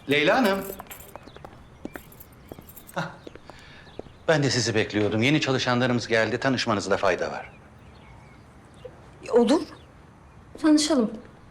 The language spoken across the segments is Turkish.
Leyla Hanım. Hah, ben de sizi bekliyordum. Yeni çalışanlarımız geldi. Tanışmanızda fayda var. Olur. Tanışalım.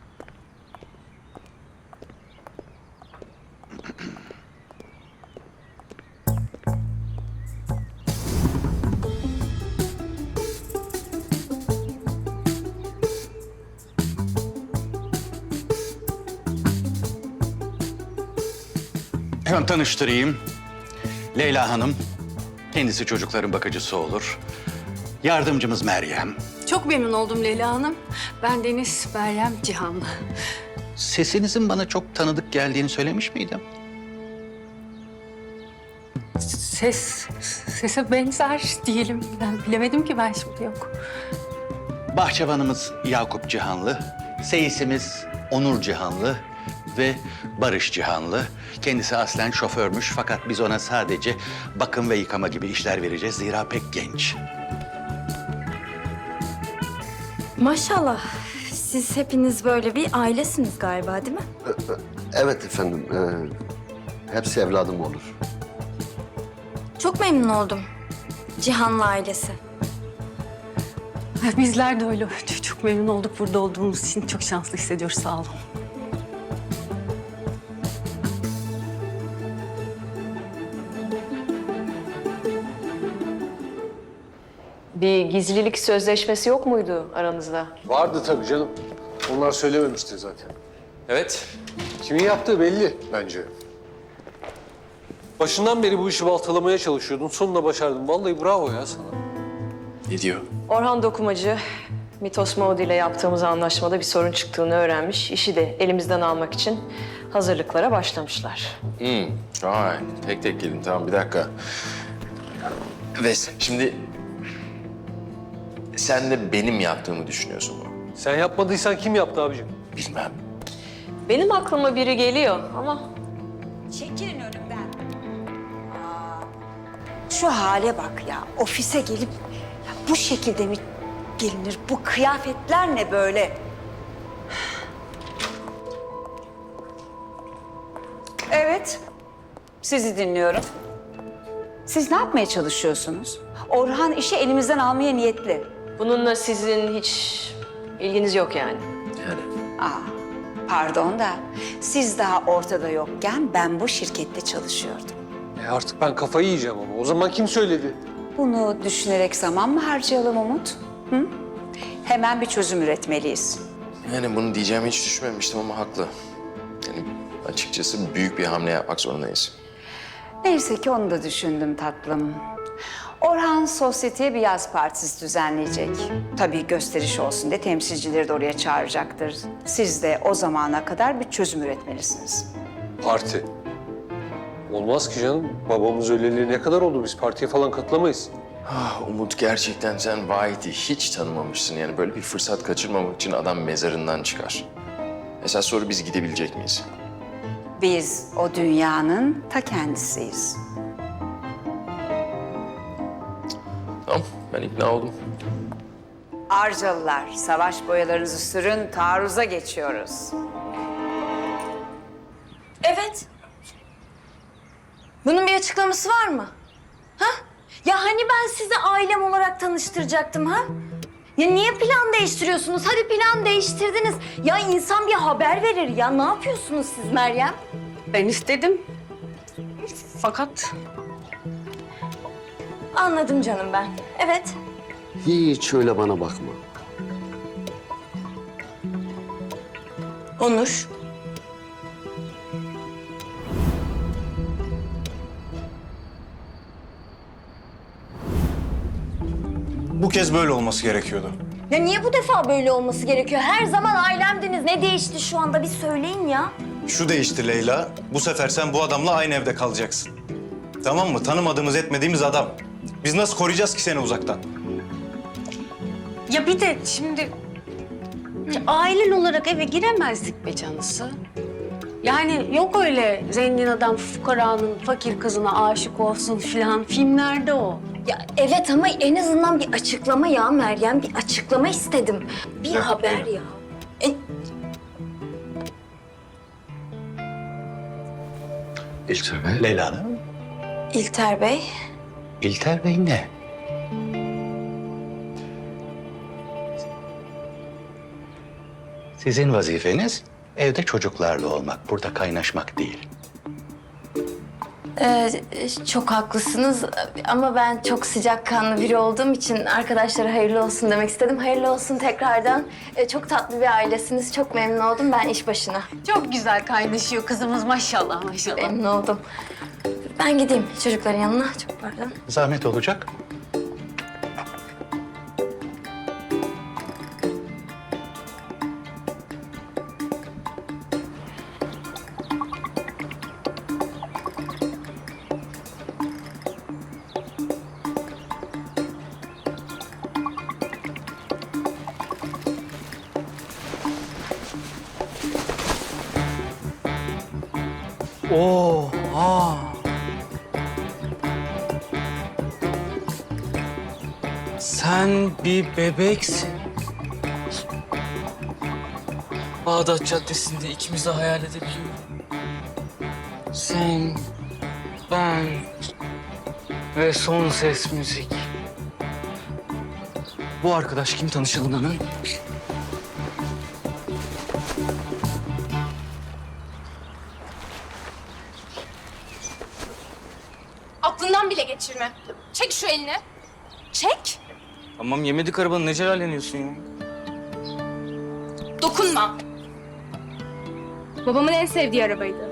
Hemen tanıştırayım. Leyla Hanım. Kendisi çocukların bakıcısı olur. Yardımcımız Meryem. Çok memnun oldum Leyla Hanım. Ben Deniz Meryem Cihanlı. Sesinizin bana çok tanıdık geldiğini söylemiş miydim? Sese benzer diyelim. Ben bilemedim ki ben şimdi yok. Bahçıvanımız Yakup Cihanlı. Seyisimiz Onur Cihanlı ve Barış Cihanlı. Kendisi aslen şoförmüş fakat biz ona sadece bakım ve yıkama gibi işler vereceğiz. Zira pek genç. Maşallah. Siz hepiniz böyle bir ailesiniz galiba, değil mi? Evet efendim. Hepsi evladım olur. Çok memnun oldum. Cihanlı ailesi. Bizler de öyle. Çok memnun olduk burada olduğumuz için. Çok şanslı hissediyoruz. Sağ olun. Bir gizlilik sözleşmesi yok muydu aranızda? Vardı tabii canım. Onlar söylememişti zaten. Evet. Kimin yaptığı belli bence. Başından beri bu işi baltalamaya çalışıyordun. Sonunda başardın. Vallahi bravo ya sana. Ne diyor? Orhan Dokumacı, Mitos Maudi ile yaptığımız anlaşmada bir sorun çıktığını öğrenmiş. İşi de elimizden almak için hazırlıklara başlamışlar. Vay, tek tek gelin. Tamam, bir dakika. Ve şimdi sen de benim yaptığımı düşünüyorsun bunu. Sen yapmadıysan kim yaptı abicim? Bilmem. Benim aklıma biri geliyor ama Çekilin önümden. Şu hale bak ya. Ofise gelip ya bu şekilde mi gelinir? Bu kıyafetler ne böyle? Evet. Sizi dinliyorum. Siz ne yapmaya çalışıyorsunuz? Orhan işi elimizden almaya niyetli. bununla sizin hiç ilginiz yok yani. Yani Pardon da siz daha ortada yokken ben bu şirkette çalışıyordum. Artık ben kafayı yiyeceğim ama. O zaman kim söyledi? Bunu düşünerek zaman mı harcayalım Umut? Hı? Hemen bir çözüm üretmeliyiz. yani bunu diyeceğimi hiç düşünmemiştim ama haklı. Yani açıkçası büyük bir hamle yapmak zorundayız. Neyse ki onu da düşündüm tatlım. Orhan sosyeteye bir yaz partisi düzenleyecek. Tabii gösteriş olsun diye temsilcileri de oraya çağıracaktır. Siz de o zamana kadar bir çözüm üretmelisiniz. Parti. Olmaz ki canım. Babamız öleli ne kadar oldu? Biz partiye falan katılamayız. Umut, gerçekten sen Vahit'i hiç tanımamışsın. Yani böyle bir fırsat kaçırmamak için adam mezarından çıkar. Esas soru, biz gidebilecek miyiz? Biz o dünyanın ta kendisiyiz. Tamam, ben ikna oldum. Arcalılar, savaş boyalarınızı sürün, taarruza geçiyoruz. Evet. Bunun bir açıklaması var mı? Ha? Ya hani ben sizi ailem olarak tanıştıracaktım ha? Ya niye plan değiştiriyorsunuz? Hadi plan değiştirdiniz. Ya insan bir haber verir ya. Ne yapıyorsunuz siz Meryem? Ben istedim. Fakat Anladım canım ben. Evet. Hiç öyle bana bakma. Onur. Bu kez böyle olması gerekiyordu. Ya niye bu defa böyle olması gerekiyor? Her zaman ailemdiniz. Ne değişti şu anda? Bir söyleyin ya. Şu değişti Leyla. Bu sefer sen bu adamla aynı evde kalacaksın. Tamam mı? Tanımadığımız, etmediğimiz adam. Biz nasıl koruyacağız ki seni uzaktan? ya bir de şimdi ailen olarak eve giremezdik be canısı. Yani yok öyle zengin adam fukaranın fakir kızına aşık olsun filan. Filmlerde o. Ya evet ama en azından bir açıklama ya Meryem. Bir açıklama istedim. Bir haber ya. İlter Bey. Leyla Hanım. İlter Bey. İlter Bey ne? Sizin vazifeniz evde çocuklarla olmak, burada kaynaşmak değil. Çok haklısınız ama ben çok sıcakkanlı biri olduğum için arkadaşlara hayırlı olsun demek istedim. Hayırlı olsun tekrardan. Çok tatlı bir ailesiniz. Çok memnun oldum. Ben iş başına. Çok güzel kaynaşıyor kızımız maşallah maşallah. Memnun oldum. Ben gideyim çocukların yanına. Çok pardon. Zahmet olacak. Oha! Sen bir bebeksin. Bağdat Caddesi'nde ikimiz de hayal edebiliyorum. Sen, ben ve son ses müzik. Bu arkadaş kim, tanışalım hemen. Aklından bile geçirme. Çek şu elini. Çek. Tamam, yemedik arabanı, ne celalleniyorsun ya? Dokunma. Babamın en sevdiği arabaydı.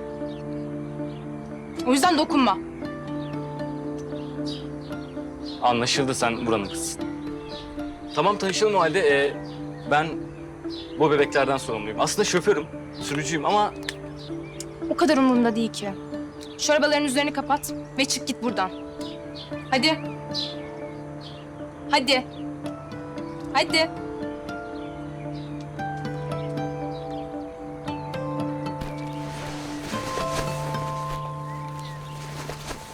O yüzden dokunma. Anlaşıldı, sen buranın kızısın. Tamam, tanışalım o halde. Ben bu bebeklerden sorumluyum. Aslında şoförüm, sürücüyüm ama O kadar umurumda değil ki. Şu arabaların üzerini kapat ve çık git buradan. Hadi. Hadi. Hadi.